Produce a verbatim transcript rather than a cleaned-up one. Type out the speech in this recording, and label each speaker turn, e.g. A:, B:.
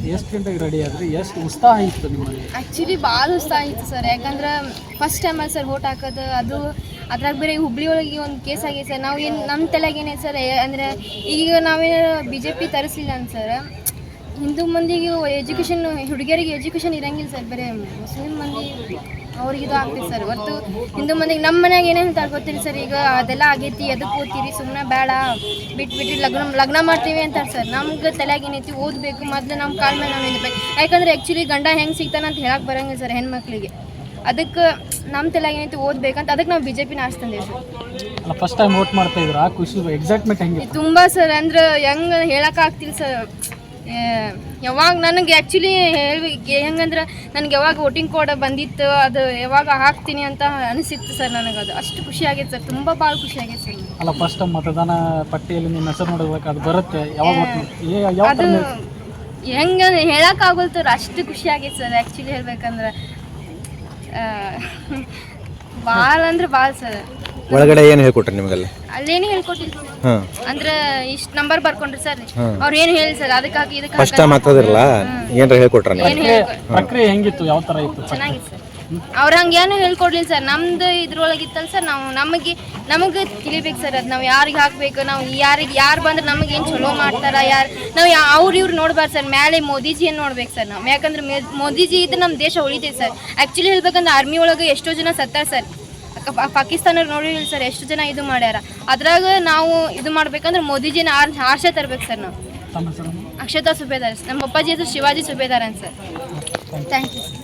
A: ಎಷ್ಟು ಗಂಟೆಗೆ ರೆಡಿ ಆದ್ರಿ? ಎಷ್ಟು ಉತ್ಸಾಹ ಇತ್ತು ನಿಮ್ಮಲ್ಲಿ?
B: ಆ್ಯಕ್ಚುಲಿ ಭಾಳ ಉತ್ಸಾಹ ಇತ್ತು ಸರ್. ಯಾಕಂದ್ರೆ ಫಸ್ಟ್ ಟೈಮಲ್ಲಿ ಸರ್ ವೋಟ್ ಹಾಕೋದು, ಅದು ಅದ್ರಾಗ ಬೇರೆ ಹುಬ್ಳಿ ಒಳಗೆ ಒಂದು ಕೇಸ್ ಆಗೈತೆ ಸರ್. ನಾವು ಏನು ನಮ್ಮ ತಲೆಗೆ ಏನೈತೆ ಸರ್ ಅಂದರೆ ಈಗ ನಾವೇನು ಬಿ ಜೆ ಪಿ ತರಿಸಲಿಲ್ಲ ಅಂತ ಸರ್, ಹಿಂದೂ ಮಂದಿಗೆ ಎಜುಕೇಷನ್, ಹುಡುಗಿಯರಿಗೆ ಎಜುಕೇಷನ್ ಇರಂಗಿಲ್ಲ ಸರ್, ಬರೀ ಮುಸ್ಲಿಂ ಮಂದಿ ಅವ್ರಿಗೆ ಇದು ಆಗ್ತೈತೆ ಸರ್. ಹೊರತು ಹಿಂದೂ ಮಂದಿಗೆ ನಮ್ಮ ಮನ್ಯಾಗ ಏನೇನು ಹೇಳ್ತಾರೆ ಗೊತ್ತಿಲ್ಲ ಸರ್. ಈಗ ಅದೆಲ್ಲ ಆಗೈತಿ, ಅದಕ್ಕೆ ಓದ್ತೀರಿ, ಸುಮ್ಮನೆ ಬೇಡ, ಬಿಟ್ಬಿಟ್ಟು ಲಗ್ನ ಲಗ್ನ ಮಾಡ್ತೀವಿ ಅಂತಾರೆ ಸರ್. ನಮ್ಗೆ ತಲೆಯಾಗ ಏನೈತಿ, ಓದಬೇಕು, ಮೊದಲು ನಮ್ಮ ಕಾಲ ಮೇಲೆ ನಾವು ನಿಂತ್ಬೇಕು. ಯಾಕಂದ್ರೆ ಆ್ಯಕ್ಚುಲಿ ಗಂಡ ಹೆಂಗೆ ಸಿಗ್ತಾನೆ ಅಂತ ಹೇಳಕ್ಕೆ ಬರೋಂಗಿಲ್ಲ ಸರ್ ಹೆಣ್ಮಕ್ಳಿಗೆ. ಅದಕ್ಕೆ ನಮ್ಮ ತಲೆಯಾಗ ಏನೈತಿ, ಓದಬೇಕಂತ ಅದಕ್ಕೆ ನಾವು ಬಿ ಜೆ ಪಿನ ಆರಿಸ್ತಂದೇವೆ ಸರ್.
A: ಅಲ್ಲ, ಫಸ್ಟ್ ಟೈಮ್ ವೋಟ್ ಮಾಡ್ತಾ ಇದ್ರು, ಆ ಖುಷಿ ಎಕ್ಸೈಟ್ಮೆಂಟ್ ಹೆಂಗೆ?
B: ತುಂಬ ಸರ್, ಅಂದ್ರೆ ಹೆಂಗೆ ಹೇಳೋಕ್ಕಾಗ್ತಿಲ್ಲ ಸರ್. ಯಾವಾಗ ನನಗೆ ಆ್ಯಕ್ಚುಲಿ ಹೇಳ್ಬೇಕು ಹೆಂಗಂದ್ರೆ, ನನಗೆ ಯಾವಾಗ ವೋಟಿಂಗ್ ಕೋಡ್ ಬಂದಿತ್ತು, ಅದು ಯಾವಾಗ ಹಾಕ್ತೀನಿ ಅಂತ ಅನಿಸಿತ್ತು ಸರ್. ನನಗೆ ಅದು ಅಷ್ಟು ಖುಷಿ ಆಗೈತೆ ಸರ್, ತುಂಬ ಭಾಳ ಖುಷಿ ಆಗೈತೆ ಸರ್.
A: ಅಲ್ಲ, ಫಸ್ಟ್ ಟೈಮ್ ಮತದಾನ ಪಟ್ಟಿಯಲ್ಲಿ ನಿಮ್ಮ ಹೆಸರು ನೋಡಬೇಕು, ಅದು ಬರುತ್ತೆ ಯಾವಾಗ?
B: ಅದು ಹೆಂಗೆ ಹೇಳೋಕ್ಕಾಗಲ್ತಾರೆ, ಅಷ್ಟು ಖುಷಿ ಆಗೈತೆ ಸರ್. ಆ್ಯಕ್ಚುಲಿ ಹೇಳ್ಬೇಕಂದ್ರೆ ಭಾಳ ಅಂದ್ರೆ ಭಾಳ ಸರ್.
C: ಒಳಗಡೆ ಏನು ಹೇಳ್ಕೊಟ್ರಿ ನಿಮಗೆಲ್ಲ?
B: ಅಲ್ಲೇನು ಹೇಳ್ಕೊಟ್ಟಿಲ್ಲ ಅಂದ್ರೆ ಇಷ್ಟು ನಂಬರ್ ಬರ್ಕೊಂಡ್ರಿ ಸರ್, ಅವ್ರು ಏನು ಹೇಳಿ ಸರ್, ಅದಕ್ಕಾಗಿ ಇದಕ್ಕೆ
C: ಫಸ್ಟ್ ಟೈಮ್ ಆಗ್ತದಿರಲ್ಲ, ಏನಾರ ಹೇಳ್ಕೊಟ್ರ?
A: ಪ್ರಕ್ರಿಯೆ ಹೆಂಗಿತ್ತು, ಯಾವ ಥರ ಇತ್ತು?
B: ಚೆನ್ನಾಗಿತ್ತು ಸರ್. ಅವ್ರು ಹಂಗೆ ಏನು ಹೇಳ್ಕೊಡ್ಲಿಲ್ಲ ಸರ್. ನಮ್ದು ಇದ್ರೊಳಗೆ ಇತ್ತಲ್ಲ ಸರ್, ನಾವು ನಮಗೆ ನಮಗೆ ತಿಳಿಬೇಕು ಸರ್. ಅದು ನಾವು ಯಾರಿಗೆ ಹಾಕಬೇಕು, ನಾವು ಯಾರಿಗೆ ಯಾರು ಬಂದ್ರೆ ನಮಗೆ ಏನು ಚಲೋ ಮಾಡ್ತಾರೆ, ಯಾರು ನಾವು ಯಾ ಅವ್ರು ಇವ್ರು ನೋಡ್ಬಾರ್ದು ಸರ್. ಮೇಲೆ ಮೋದಿಜಿಯನ್ನು ನೋಡ್ಬೇಕು ಸರ್ ನಾವು. ಯಾಕಂದ್ರೆ ಮೇ ಮೋದಿಜಿ ಇದ್ರೆ ನಮ್ಮ ದೇಶ ಉಳಿತೈತೆ ಸರ್. ಆ್ಯಕ್ಚುಲಿ ಹೇಳ್ಬೇಕಂದ್ರೆ ಆರ್ಮಿ ಒಳಗೆ ಎಷ್ಟೋ ಜನ ಸತ್ತಾರ ಸರ್. ಪಾಕಿಸ್ತಾನ ನೋಡಿಲ್ಲ ಸರ್, ಎಷ್ಟು ಜನ ಇದು ಮಾಡ್ಯಾರ. ಅದ್ರಾಗ ನಾವು ಇದು ಮಾಡ್ಬೇಕಂದ್ರೆ ಮೋದಿಜಿನ ಆರ್ ಆರ್ಷೆ ತರ್ಬೇಕು ಸರ್ ನಾವು. ಅಕ್ಷತಾ ಸುಬೇದಾರ್, ನಮ್ಮ ಅಪ್ಪಾಜಿ ಹೆಸರು ಶಿವಾಜಿ ಸುಬೇದಾರ್ ಅಂತ ಸರ್. Thank you.